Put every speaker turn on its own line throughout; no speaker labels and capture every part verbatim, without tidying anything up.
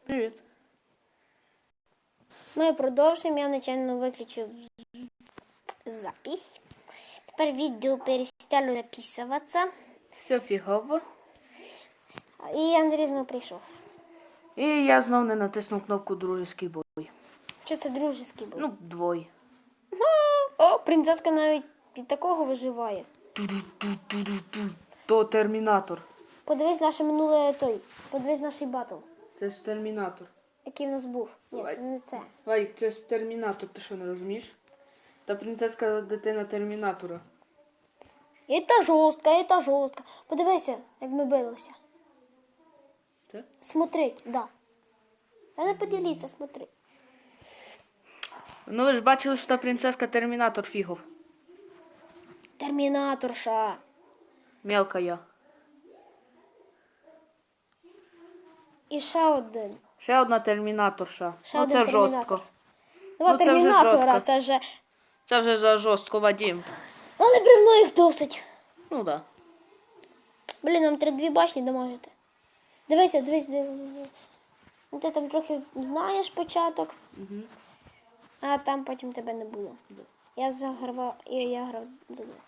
Привіт.
Ми продовжуємо. Я нечайно виключив запись. Тепер відео перестало записуватися.
Все фігово.
І Андрій знову прийшов.
І я знов не натиснув кнопку дружеський бой.
Що це дружеський був?
Ну, двоє.
О, принцеска навіть від такого виживає.
Ту-ду-ту-ту-ду-ту. То термінатор.
Подивись наше минуле той. Подивись наш батл,
Це ж термінатор.
який в нас був. Ні, це не це.
Вадик, це ж термінатор, ти що не розумієш? Та принцеска дитина термінатора.
І та жорстка, і та жорстка. Подивися, як ми билися.
Це?
Смотрить, да. Та не поділіться, смотри.
Ну ви ж бачили, що та принцеска термінатор фігов.
Термінаторша.
Мелка я.
І ще один.
Ще одна термінаторша.
Ще
ну
один
це
термінатор.
жорстко.
Два
Ну, це вже
термінатора,
жорстко.
це вже...
Це вже за жорстко, Вадим.
Але бревно їх досить.
Ну да.
Блін, нам треба дві башні дамажити. Дивися, дивись, дивись. дивись. Ну, ти там трохи знаєш початок,
Угу.
а там потім тебе не було. Я загравав, я, я грав за двох.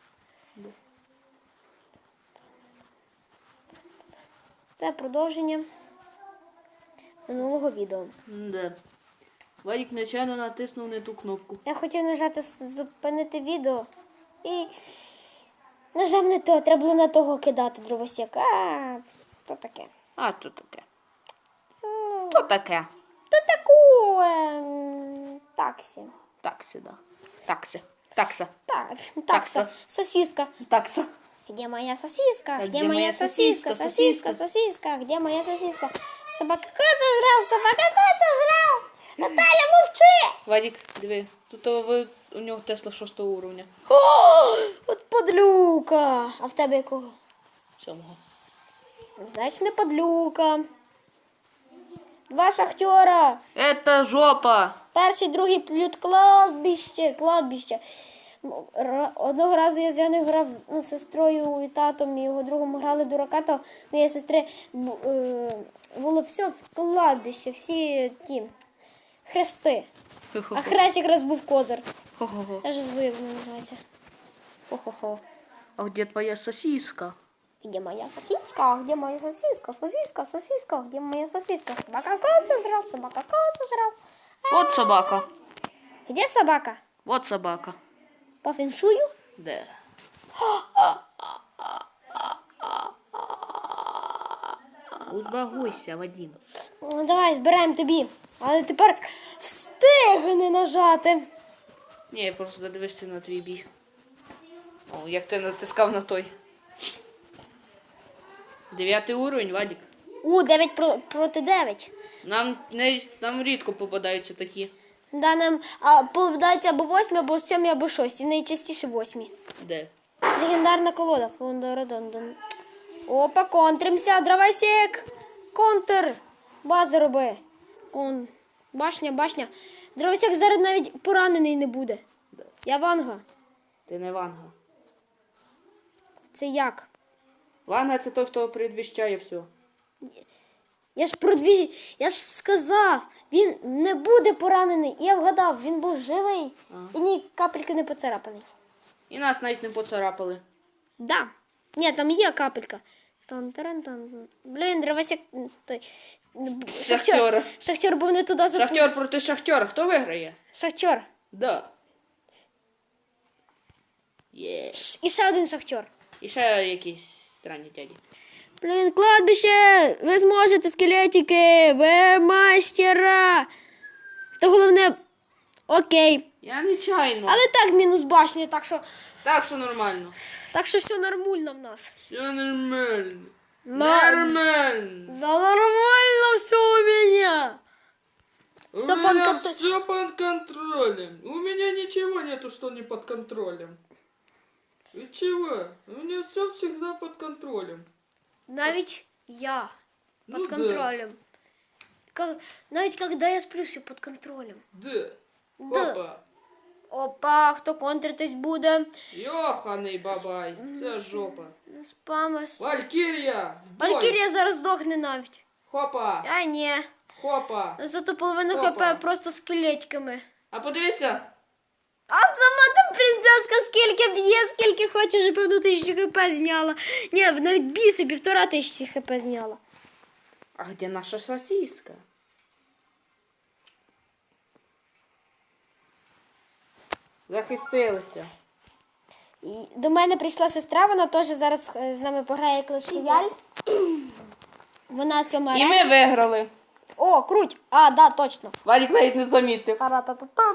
Це продовження минулого відео.
Да. Вадик нечайно натиснув не ту кнопку.
Я хотів нажати с- зупинити відео і нажав не то, треба було на того кидати дровосек. А, то таке.
А, то таке. То таке.
То таку ем, таксі.
Такси, да. Такси. Такса.
Так, такса.
Такса.
Сосиска.
Такса.
Где моя сосиска?
А
Где моя сосиска?
сосиска?
Сосиска, сосиска. Где моя сосиска? Собака кот сожрал, собака кот сожрал. Наталя, мовчи!
Вадик, диви. Тут о, ви, у нього Тесла шостого уровня.
О, от подлюка. А в тебе якого?
Сьомого.
Значить, не подлюка. Два шахтера.
Это жопа.
Перший, другий плют кладбище, кладбище. Р- Одного разу я з Яною грав, ну, з сестрою і татом, і його другом грали дурака, то моєї сестри бу- е, було все в кладбище, всі ті хрести. А хрест якраз був козир.
Хо-хо-хо.
Я ж забув, як він називається.
Хо-хо-хо. А где твоя сосиска?
Где моя сосиска? Где моя сосиска? Сосиска, сосиска, где моя сосиска? Собака кот сожрал, собака кот сожрал.
Вот собака.
Где собака?
Вот собака.
По феншую?
Да. Узбагуйся, Вадим.
Ну, давай, збираємо тобі. Але тепер встигни нажати.
Ні, я просто задивився на твій біг. О, як ти натискав на той. Дев'ятий уровень, Вадик.
У, дев'ять про, проти дев'ять.
Нам не нам рідко попадаються такі.
Да, нам а, попадається або восьмі, або сьомі, або шості. Найчастіше восьмі.
Де?
Легендарна колода. Фондородондон. Опа, контримся, дровосек. Контр. Бази роби. Кон. Башня, башня. Дровосек зараз навіть поранений не буде.
Де?
Я Ванга.
Ти не Ванга.
Це як?
Ванга це той, хто предвіщає все.
Я ж продві... Я ж сказав, він не буде поранений. І я вгадав, він був живий
Ага.
і ні капельки не поцарапаний.
І нас навіть не поцарапали.
Да. Ні, там є капелька. Тан-таран-тан. Блін, дровосек той.
Шахтера.
Шахтер був не туди запустив.
Шахтер проти шахтера. Хто виграє?
Шахтер.
Да. Є.
Ш- І ще один шахтер.
І ще якісь странні дяді.
Блін, кладбище! Ви зможете, скелетики! Ви мастера! Та головне, окей.
Я нечайно.
Але так мінус башня, так що,
Так що нормально.
так що все нормально в нас.
Все нормально.
На-
Нормально.
Да нормально все у меня.
У
Всё
меня
под контр-
все под контролем. У меня ничего нету, что не под контролем. И чего? У меня все всегда под контролем.
Навіть я
Ну
под
да.
контролем. Ка- Навіть когда я сплю, все под контролем.
Да.
Да.
Опа.
Опа, хто контритись буде?
Йоханий бабай. Це жопа.
Спамер.
Валькірія. бой.
Валькірія зараз здохне навіть.
Хопа.
А ні.
Хопа.
Зато половину
Опа.
хп просто скелетиками.
А подивися.
А сама там принцеска скільки б'є, скільки хоче, вже певно тисячу хп зняла. Ні, навіть більше, півтора тисячі хп зняла.
А де наша сосиска? Захистилися.
І до мене прийшла сестра, вона теж зараз е, з нами пограє Clash Royale. Вона сьома
І
арена.
ми виграли.
О, круть! А, да, точно.
Валік навіть не замітив.
Зараз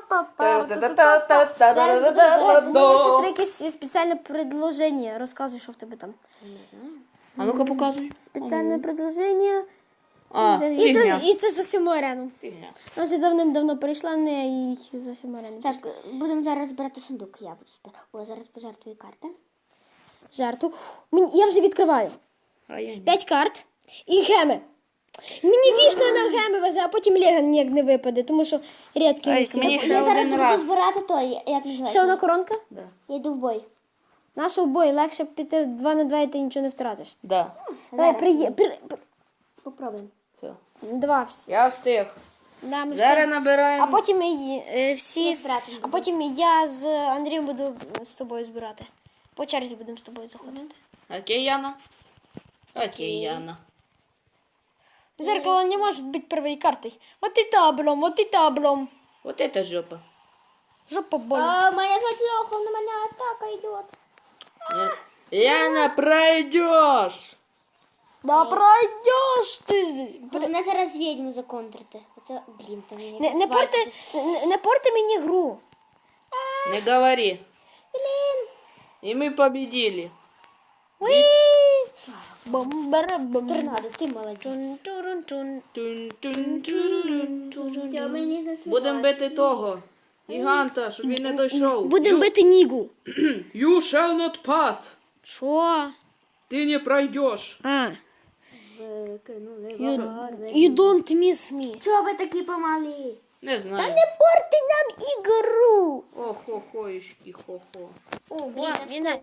буду у сестри якесь спеціальне предложення. Розказуй, що в тебе там.
А ну-ка показуй.
Спеціальне предложення.
А,
І
фігня.
це, і це за сьому арену.
Фігня.
Вона вже давним-давно перейшла, не і за сьому арену.
Так, будемо зараз збирати сундук. Я буду збирати. О, зараз пожертвую карти.
Жарту. Мені- Я вже відкриваю.
А я ні.
П'ять карт і геми. Мені вічно на геми везе, а потім Лего ніяк не випаде, тому що рідкі
Ай,
всі.
мені ще
Я зараз
один
буду
раз.
збирати той, як називається?
Ще одна коронка?
Да.
Я йду в бой.
Наша в бой, легше піти два на два і ти нічого не втратиш.
Да.
Давай, приє... при... при-
Попробуємо.
Все.
Два всі.
Я встиг.
Да, ми
Зараз
всі.
набираємо.
А потім ми е, всі,
Я
з-
збирати
а потім я з Андрієм буду з тобою збирати. По черзі будемо з тобою заходити.
Окей, Яна. Окей, Яна.
Зеркало не може бути первою картою. Вот і таблом, вот і таблом.
Вот это жопа.
Жопа боль.
А, моя затлёха, на меня атака идет.
Яна, пройдешь.
Да пройдеш ти. з-
Головне зараз відьму законтрити. Оце, блін, там мені
Не, не, порти, не, не порти мені гру.
Не говори.
Блін.
И мы победили.
Бомбара-бом.
Торнадо, ти молодець.
Чун-чурун-чун.
Тун-тун-турурун.
Все, мені знесли.
Будем бити того. Гіганта, щоб він не дійшов.
Будемо
You-
бити Нігу.
You shall not pass.
Що?
Ти не пройдеш.
А.
Викинули
You,
ворони.
you don't miss me.
Чого ви такі помалі?
Не знаю.
Не порти нам ігру.
О-хо-хоїшки, хо-хо.
Ого, Міна.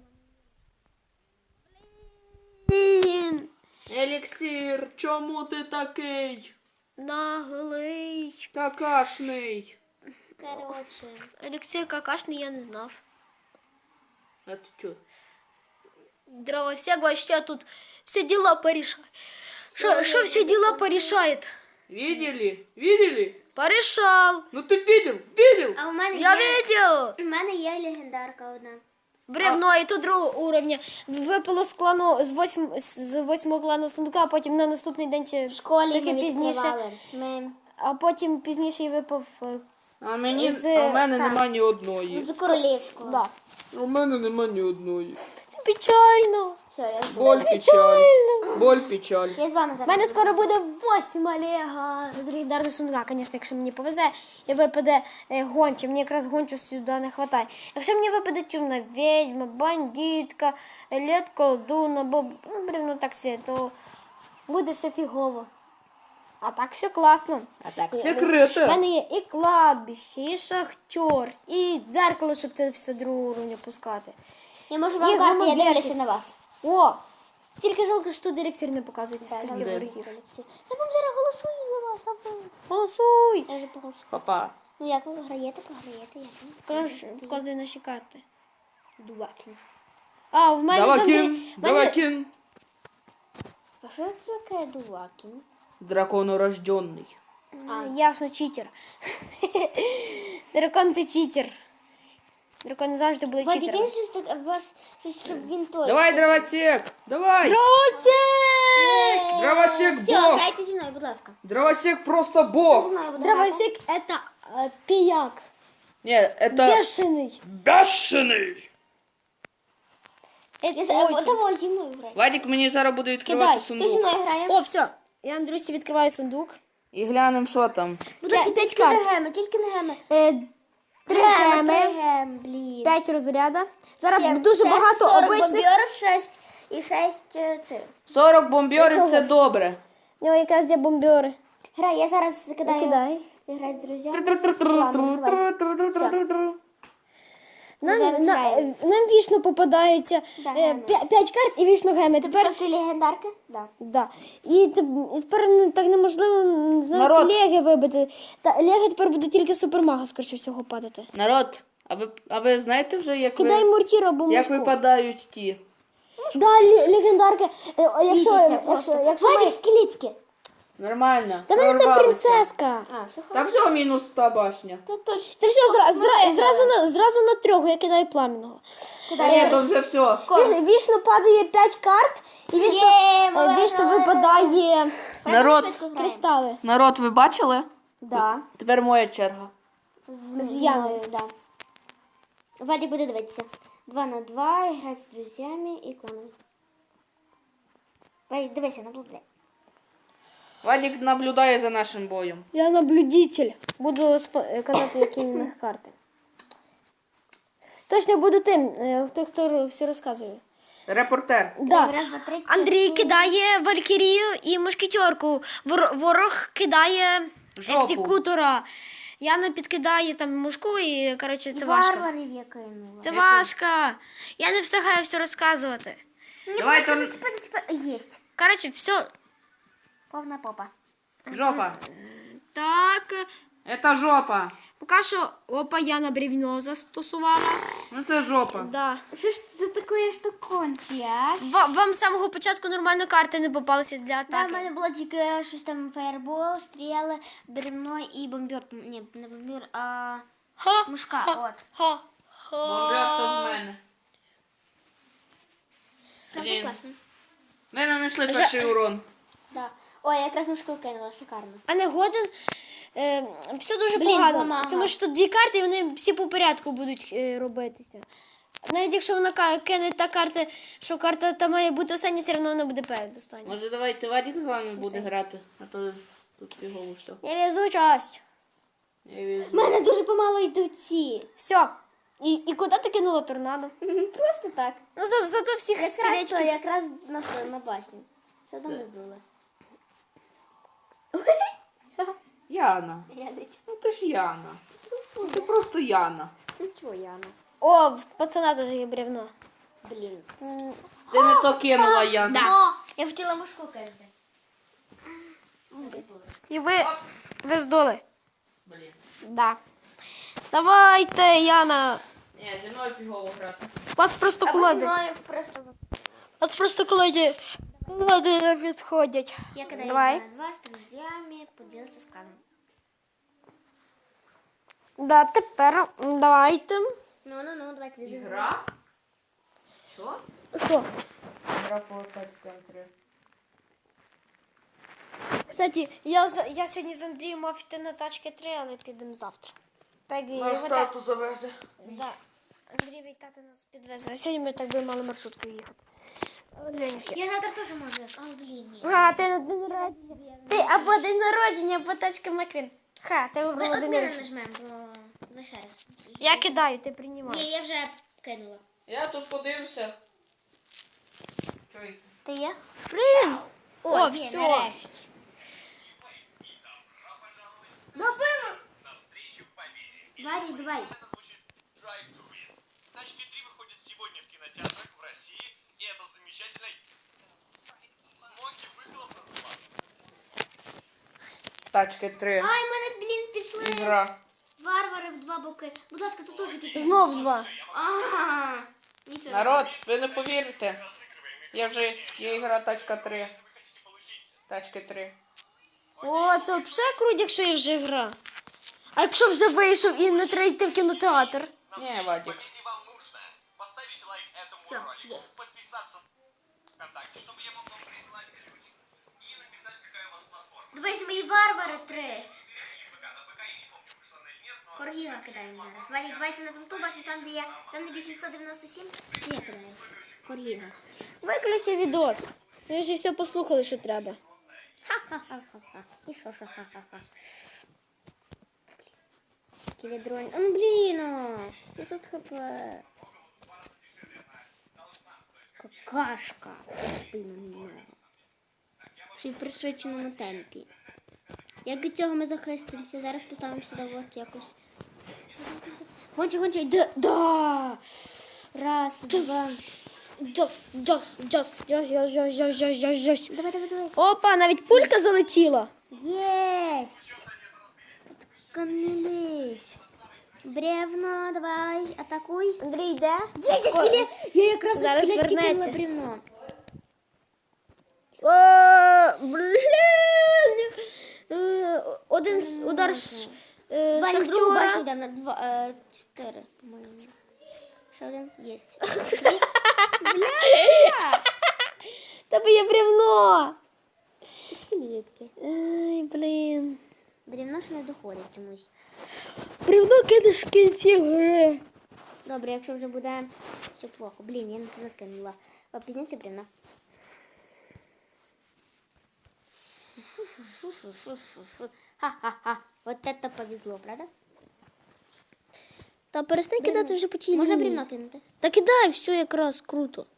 Блін.
Еліксир, чому ти такий?
Наглий.
Какашний.
Короче.
Еліксир какашний я не знав.
А ти чо?
Дровосек вообще тут все дела порешает. Что, что все дела порешает?
Видели? Видели?
Порешал.
Ну ти видел? Видел?
А у мене
Я
є...
видел.
У мене є легендарка одна.
Бревно, і то другого уровня. Випало з клану з восьм з восьмого клану сундука, а потім на наступний день чи
В школі
трохи
ми
пізніше.
відкривали. Ми
А потім пізніше і випав. е,
А мені
З-
а в мене
так.
нема ні одної.
з королівського.
Да.
У мене нема ні одної.
Це печально.
Все, я,
Боль, печаль. Боль, печаль.
я з вами
У
зараз.
мене скоро буде восім Олега з легендарного сундука. Звісно, якщо мені повезе, і випаде е, гонча. Мені якраз гончу сюди не вистачає. Якщо мені випаде темна відьма, бандитка, лед колдун, або ну, бревно таксі, то буде все фігово. А так все класно.
А так,
У
секрети.
мене є і кладбище, і шахтер, і дзеркало, щоб це все другого уровня пускати.
Я можу
І
вам карти, я
громобірщиць.
дивлюся на вас.
О! Тільки жалко, що тут еліксир не показується.
Так,
Скажіть,
я
ворогів.
Я вам зараз голосую за вас. а ви-
Голосуй!
Я вже поголосую.
Папа.
Ну як ви граєте, програєте, як ви?
Покажи, показуй наші карти.
Дубаки.
А, в мене
Давай
завжди...
кин,
в мене-
давай кин.
А що це таке дубаки?
Драконорожденний.
А, ясно, читер. Дракон це читер. Дракони завжди були
Вадик,
читерами.
він щось так, у вас, щось, щоб він той.
Давай, дровосек, давай.
Дровосек!
Дровосек
Все,
бог.
грайте зі мною, будь ласка.
Дровосек просто
Зі
бог.
мною буде грати.
Дровосек это э, пияк.
Не, это
Бешеный.
бешеный.
Я
Это
за-
очень.
Давай зі мною грай.
Вадик мені зараз буде відкривати
Кидай.
Ти зі
сундук.
мною грає.
О, все. Я Андрюсі відкриваю сундук.
І глянемо, що там.
Будь ласка,
п'ять
тільки
карт.
не геми, тільки не геми.
Е, Три
Геми,
геми.
три гем, блін.
П'ять розряда. Зараз
Сім.
дуже
Це
багато
сорок
обичних.
бомбьорів, шесть і шесть е, цих.
сорок бомбьорів це добре.
У нього якраз є бомбьори.
Грай, я зараз закидаю.
Кидай.
Грай з друзями. Ладно, давай.
Нам,
зараз
на,
граємо.
нам вічно попадається
Да,
е,
граємо.
п'я- п'ять карт і вічно геми.
Ти
Тепер,
просто легендарки? Да.
да. і, теп- і тепер ну, так неможливо навіть
Народ.
леги вибити. Та леги тепер буде тільки супермага, скоріше всього, падати.
Народ, а ви, а ви знаєте вже, як,
Кидай
ви,
мортіру або
як
мушку.
випадають ті?
Да, лі- легендарки. Е, о, Якщо,
Світяться
якщо,
просто.
якщо ми...
Вадик, скелетики.
Нормально.
Та в мене там
прорвалися.
принцеска.
А, все
Та все, мінус та башня.
Це точно.
Це все, зра, зра, зразу, на, зразу на трьох, я кидаю пламенного.
Ні, то вже все.
Віч, вічно падає п'ять карт, і вічно,
Є,
е,
молодець.
вічно випадає
Народ,
кристали.
народ, ви бачили?
Да.
Тепер моя черга.
З Яною.
Да. Вадик буде дивитися. Два на два, грати з друзями і кланами. Вадик, дивися, наблюдай.
Вадик наблюдає за нашим боєм.
Я наблюдитель. Буду спо- е, казати, які в них карти. Точно буду тим, е, хто, хто все розказує.
Репортер.
Да.
Раз, два, три,
Андрій
чотири.
кидає валькірію і мушкетерку. Вор- ворог кидає
Жопу.
екзекутора. Яна підкидає там мушку і, коротше, це важко.
Варварів я кинула.
Це важко. Я не встигаю все розказувати.
Давай,
Просто
то-
заціпи, заціпи. Єсть.
Коротше, все.
Повна попа.
Жопа.
Так.
Это жопа.
Поки що, опа, я на бревно застосувала.
Ну це жопа.
Да.
Що ж це за такої штуконці, а?
Ва- Вам з самого початку нормально карти не попалися для
Да, в
атаки.
мене було тільки щось там фаєрбол, стріли, бревно і бомбер. Ні, не бомбер, а
Ха,
мушка. От.
ха,
Бомбер то в
ха.
мене.
Це
Блін.
класно.
Ми нанесли перший урон.
Да. Ой, я якраз мушку кинула, шикарно.
А не годен. Е, все дуже
Блін,
погано.
помага.
Тому що тут дві карти, і вони всі по порядку будуть е, робитися. Навіть якщо вона ка- кине та карта, що карта та має бути остання, все одно вона буде перед останньою.
Може давайте Вадик з вами буде грати, а то тут його все.
Я везучасть.
Я візьму.
У мене дуже помало йдуть ці.
Все. І, і куди ти кинула торнадо?
Просто так.
Ну, за, зато всіх
Якраз, то,
скелетиків.
якраз на, на башню. Все одно не здули.
Яна.
Глядить.
Ну ти ж Яна. Ну ти просто Яна.
Ну чого, Яна?
О, в пацана теж є бревно.
Блін.
Ти не то кинула Яна.
О, я хотіла мушку кинути.
І ви, ви здоли.
Блін.
Да. Давайте, Яна.
Ні, зі мною фігово грати.
Вас просто
А
колоди.
мною просто...
Вас просто колоді. Колоди не відходять.
Я кидаю
Давай.
на два з друзями, поділитися з каном.
Да, тепер давайте.
Ну, ну, ну, давайте дивимося.
Ігра? Що?
Що?
Гра по контри.
Кстати, я, з- я сьогодні з Андрієм мав йти на тачки три, але підемо завтра. Так, і
На
його та-
стату завезе.
Да. Андрій тато нас підвезе. А сьогодні ми так би мали маршруткою їхати. Оленьки.
Я завтра теж можу. А, блін, ні.
А, ти на день народження. Ти або день народження, або тачка Маквін. Ха, ти
Ми
вибрала
от
день
не
народження.
нажмемо, бо ми ще раз.
Я кидаю, ти
Ні,
приймаєш.
я вже кинула.
Я тут подивився. Чуй.
Ти є?
Блін!
О,
О,
є,
все.
нарешті.
Навстречу победе.
Варі, давай.
Это звучит Drive to Win. Тачки три выходит сегодня в кинотеатрах в России, и это замечательно. Смоки выхлоп называют.
Тачки три.
Ай, в мене, блін, пішли
Ігра.
варвари в два боки. Будь ласка, тут теж підійдіть.
Знов два.
Ага. Нічого.
Народ, ви не повірите. Я вже є ігра тачка три.
Вы хотите получить
Тачки три.
О, це взагалі круто, якщо є вже гра. А якщо вже вийшов і не треба йти в кінотеатр?
Ні, Вадик.
победе, вам нужно поставить лайк этому
Всё,
ролику,
есть.
подписаться ВКонтакте, чтобы я мог вам прислать ключ, и написать, какая у вас платформа.
Дивись, мої варвари три.
Или ВК, на ВК я не помню, вышло на нет, но...
Коргіга кидаємо зараз. Варі, давайте на тому бачу, там, де є, там, де вісімсот дев'яносто сім. Я кидаю. Коргіга.
Виключи відос. Ми вже все послухали, що треба.
Ха-ха-ха-ха-ха. І що, що, ха-ха-ха. Скеледрон. А ну, блін, о. Це тут хп. Какашка. Блін, ще й пришвидшено на темпі. Як від цього ми захистимося? Зараз поставимо сюди от якось. Гончик, гончик. Да, да. Раз, два.
Джос, джос, джос, джос, джос, джос, джос, джос, джос, джос.
Давай, давай, давай.
Опа, навіть пулька залетіла.
Есть. Отканулись. Бревно, давай, атакуй.
Андрій йде.
Є, є скелет. Я якраз на
Зараз
скелетки кинула
вернеться.
бревно.
О, блін. Е, Один с- удар ш- е,
Ваня, другу башню
шахтера.
йдемо на два, е, чотири, по-моєму. Ще один є.
Тебе є бревно.
Скелетки.
Ай, блін.
Бревно ще не доходить чомусь.
Бревно кидаш в кінці гри.
Добре, якщо вже буде все плохо. Блін, я не туди кинула. О, пізніше бревно. Ха-ха-ха. Вот это повезло, правда?
Та перестань кидати вже по тій
Можна
лінії.
бревно кинути?
Та кидай, все якраз круто.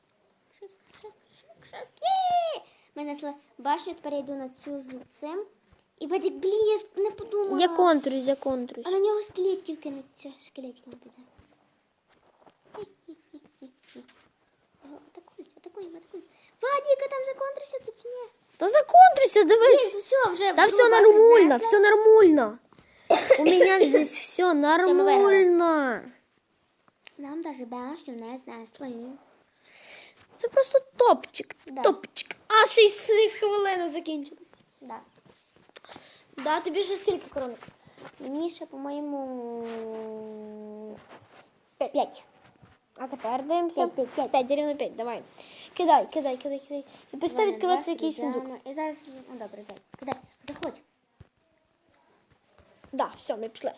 Є! Ми знайшли башню, тепер я йду на цю з цим. І Вадик, блін, я ж не подумала.
Я контрусь, я контрусь.
А на нього скелетів кинуться. Скелетів не піде. Атакуй, атакуй, атакуй. Вадик, там законтрився, це чи ні?
Та законтруйся, дивись.
Блін, все, вже
Та
другу
все
башню
нормально,
знесли.
все нормально. У меня здесь все
виграли.
нормально.
Нам даже башню не знесли.
Це просто топчик,
Да.
топчик. А шість хвилин закінчилось.
Да.
Да, тобі ще скільки коронок?
Мені ще, по-моєму, п'ять.
А тепер дивимося.
П'ять, п'ять, п'ять.
П'ять, рівно п'ять, давай. Кидай, кидай, кидай, кидай. І починай
Ладно,
відкриватися
два,
якийсь
ідеально.
сундук.
І зараз, ну добре, дай. Кидай, заходь.
Да, все, ми пішли.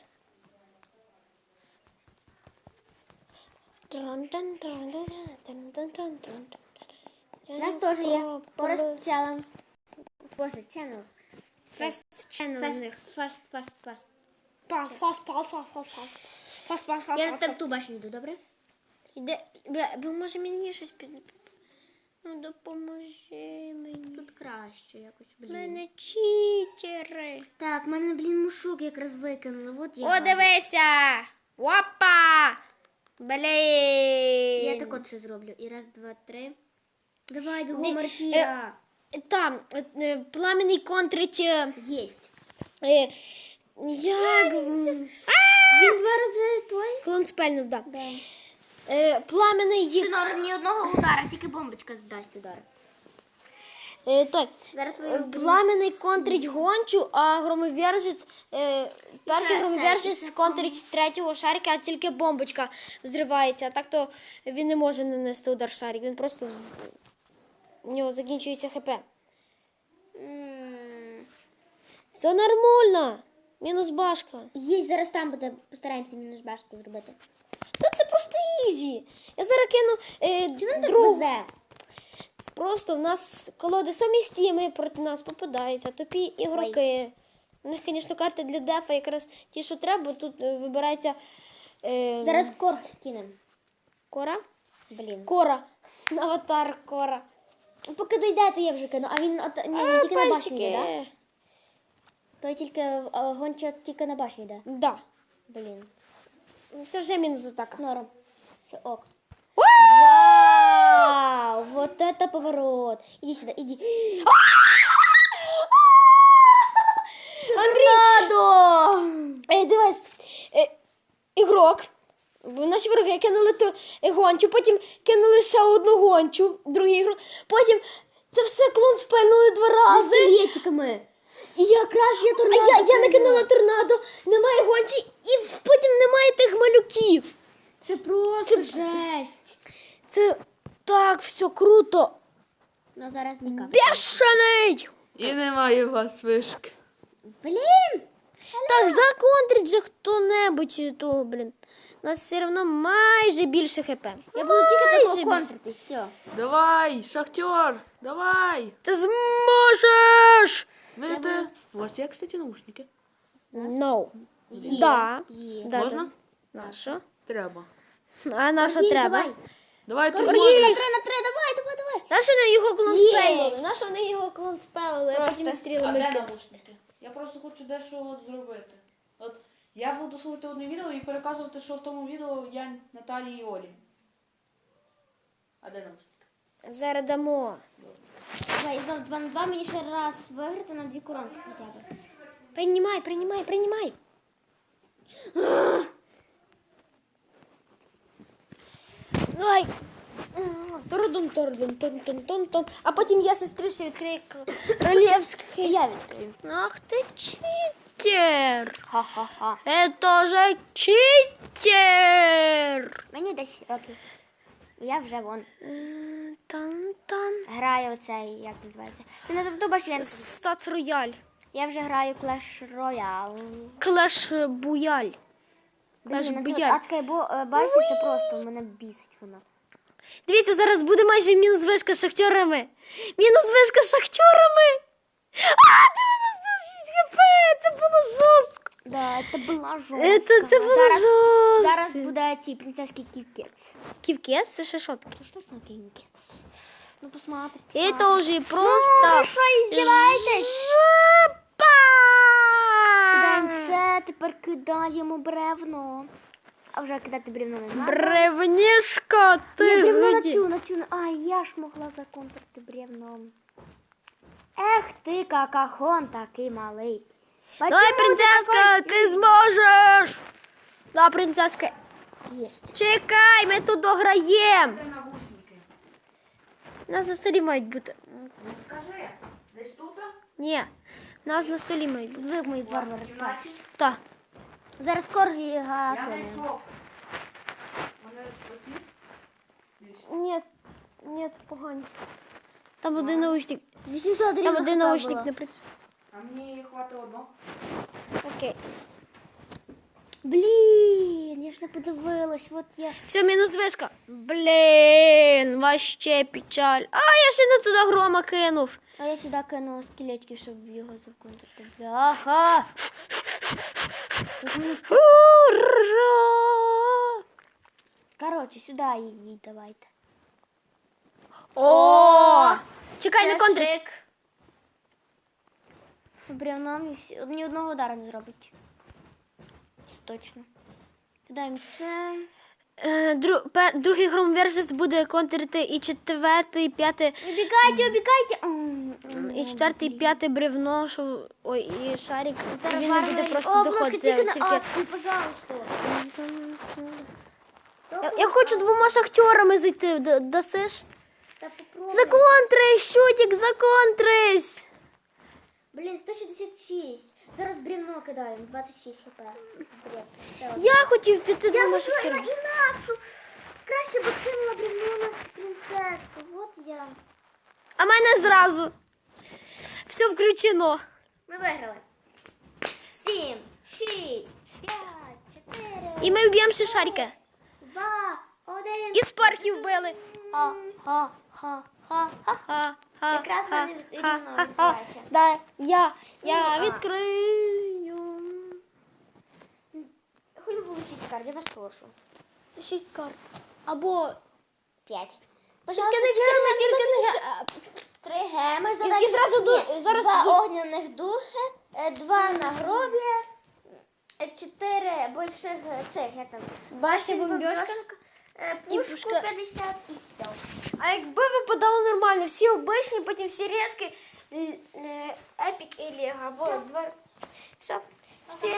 У нас теж є Forest Challenge. Боже, channel.
Фест ченел
Фест,
у них.
фаст, фаст, фаст.
Фаст, фаст, фаст, фаст, фаст. Фаст, фаст, фаст,
Я на
фаст.
ту башню йду, добре?
Іде, бля, бо може мені щось під... Ну, допоможи мені.
Тут краще якось, блін.
Мене читери.
Так, мене, блін, мушок якраз викинули. Вот я.
О, дивися! Опа! Блін!
Я так от ще зроблю. І раз, два, три. Давай,
Ди-
бігом, Мартія.
Там, е, е, пламенний контрить... е,
Єсть.
е, Як... м,
Він два рази той?
Клон спельнув, да.
Да.
Е, Пламенний...
Це норм ні одного удара, тільки бомбочка здасть удар.
е, Той.
Зараз
Е,
твою
Пламенний контрить гончу, а громовержець, е, перший
це-
громовержець
це-
контрить третього шарика, а тільки бомбочка взривається. А так то він не може нанести удар шарик, він просто вз- у нього закінчується хп.
М,
Все нормально. Мінус башка.
Є, зараз там буде, постараємося мінус башку зробити.
Та це просто ізі. Я зараз кину е,
Чи нам так
другу.
везе?
Просто в нас колоди самі стіми проти нас попадаються, тупі ігроки. У них, звісно, карти для дефа якраз ті, що треба, тут е, вибирається е,
Зараз кор кинемо.
кора.
Блін.
Кора. Аватар кора.
Поки дойде, то я вже кину. А він, от, ні, він тільки на башні йде, да? Той тільки, а, гонча тільки на башні йде.
Да.
Блін.
Це вже мінус атака.
Норм. Це ок. Вау! Вот это поворот. Иди сюда, иди.
Торнадо! Ей, дивись, е, ігрок. Наші вороги кинули ту е, гончу, потім кинули ще одну гончу, другий ігрок. Потім це все клон спельнули два рази.
Скелетиками. І якраз я
А
торнадо.
я, я
кинула.
накинула торнадо, немає гончі, і в- потім немає тих малюків.
Це просто жесть.
Це так все круто.
Ну зараз не капає.
Бешений!
І немає у вас вишки.
Блін!
Так, законтрить же хто-небудь того, блін. У нас все одно майже більше хп.
Я буду тільки
Майже
такого
більше.
контрити, все.
Давай, шахтер, давай.
Ти зможеш!
Видите? У вас є, кстати, наушники?
No.
Є,
Да.
є.
Да,
Можна?
да. На що?
Треба.
А на що
Є,
треба?
Давай.
Давай ти
Торгіль, на
зможеш.
три, на три, давай, давай, давай.
На що вони його клон
Є.
спелили? На що вони його клон спелили? А потім стрілами. ки-
наушники? Я просто хочу дещо от зробити. От
Я буду слухати одне відео і переказувати, що в тому відео я Наталії і Олі. А де наушники?
Зараз дамо.
Давай, знов два на два мені ще раз виграти на дві коронки хоча б.
Приймай, приймай, приймай. Ай. Тордун, тордун, тон, тон, тон, тон. А потім я сестрі ще відкрию королівський.
Я відкрию.
Ах ти читер.
Ха-ха-ха.
Это же читер.
Мені десять років. Я вже вон
Тан-тан.
граю оцей, як називається. Ти не забудь, що я,
Стац Рояль.
я вже граю Clash Royale.
Клеш Буяль. Клеш
Блін, ну це
Буяль.
адська бо е, башня, це просто мене бісить вона.
Дивіться, зараз буде майже мінус вишка з шахтерами. Мінус вишка з шахтерами. А, дев'яносто шість хп! Це було жорстко.
Да, це була жорстка.
Це, це було
зараз,
жорстко.
зараз буде ці принцески ківкец.
Ківкес? Це ще що таке?
Це ж точно ківкец. Ну посмотри.
Это уже просто...
Ну, що іздіваєтесь?
Жопа!
Кидаємо це, тепер кидаємо бревно. А вже кидати бревно не знаю.
Бревнішка,
Ні,
ти
бревно на
годі.
цю, на цю. на- А, я ж могла законтрити бревном. Ех ти, какахон такий малий.
Давай,
Почему ти
принцеска,
такой
ти зможеш. Да, принцеска.
Єсть.
Чекай, ми тут дограємо.
Де навушники?
У нас на столі мають бути.
Скажи, десь тут?
Ні, у нас на столі мають бути.
Ви мої варвари.
В кімнаті?
Так.
Зараз коргі
Я
гакаємо.
знайшов. Вони оці? Дивись.
Ні, ні, це погані. Там один наушник.
вісімсот
Там
рівних
один
хп
наушник
було.
не працює.
А мені хватить одного.
Окей.
Блін, я ж не подивилась, от я.
Все, мінус вишка. Блін, вообще печаль. А, я ще не туди грома кинув.
А я сюди кинула скелетки, щоб його законтрити. Бляха!
Ура!
Коротше, сюди їдіть, давайте.
О! Чекай, не контрись.
Красик. З бревном ні, всі- ні одного удара не зробить. Це точно. Кидаємо це.
Е, дру- пер- Другий громверсис буде контрити і четвертий, і п'ятий,
Убігайте, убігайте. М, м,
і четвертий, і п'ятий бревно, що... Ой, і шарик. І
зараз
він не буде
варвари-
просто
О, обложка
доходити.
тільки на
Тільки...
А, ой, пожалуйста.
Я, я хочу двома шахтерами зайти. Д- Дасиш?
Та попробуй.
Законтрись, щутик, законтрись!
Блін, сто шістдесят шість. Зараз бревно кидаємо, двадцять шість хп. Бред. Все, ладно.
Я хотів піти
Я
двома
хотіла
шахтерами.
інакшу. Краще б кинула бревно на принцеску. Вот я.
А мене зразу. Все включено.
Ми виграли. Сім, шість, п'ять, чотири,
І ми вб'ємо ще шарика.
два, один.
І спархів били.
Ха-ха-ха-ха.
Ха,
Якраз в
ха,
мене
ха,
рівно
ха,
відбувається.
Да, я, я
А.
відкрию.
Хоч би було шість карт, я вас прошу.
Шість карт. Або
П'ять.
Тільки не герми, тільки не герми.
Три геми
І-
задачі.
і зразу ду-
Ні,
зараз
два
ду-
огняних духи, е, два нагроб'я, е, чотири больших е, цих, я там,
Башня
вісім
бомбьошка.
бомбьошок, е,
І
пушку
пушка.
п'ятдесят і все.
А якби випадало нормально, всі обичні, потім всі рідкі, епік і лего, або два. Все. Всі